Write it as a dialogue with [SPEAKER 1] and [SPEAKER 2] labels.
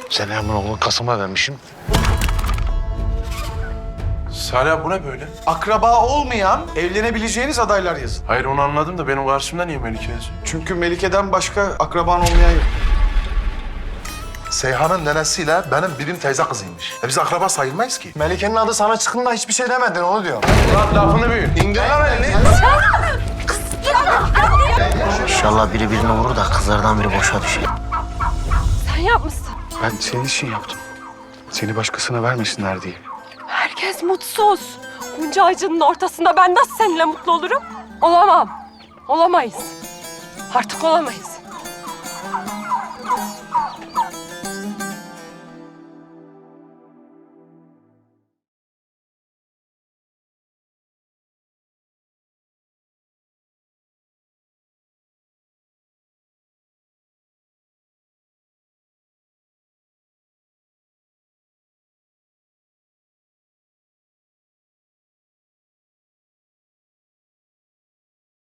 [SPEAKER 1] Selamın oğlunu Kasım'a vermişim.
[SPEAKER 2] Salih bu ne böyle?
[SPEAKER 3] Akraba olmayan evlenebileceğiniz adaylar yazın.
[SPEAKER 2] Hayır onu anladım da benim karşımda niye Melike yazıyor?
[SPEAKER 3] Çünkü Melike'den başka akraban olmayan yok.
[SPEAKER 4] Seyhan'ın nenesiyle benim birim teyze kızıymış. Biz akraba sayılmayız ki.
[SPEAKER 5] Melike'nin adı sana çıktığında hiçbir şey demedin, onu diyor.
[SPEAKER 2] Lan lafını büyüt. İndir lan elini.
[SPEAKER 6] İnşallah biri birini vurur da kızlardan biri boşa düşer.
[SPEAKER 7] Sen yapmışsın.
[SPEAKER 1] Ben senin için yaptım. Seni başkasına vermesinler diye.
[SPEAKER 7] Herkes mutsuz. Bunca acının ortasında ben nasıl seninle mutlu olurum? Olamam. Olamayız. Artık olamayız.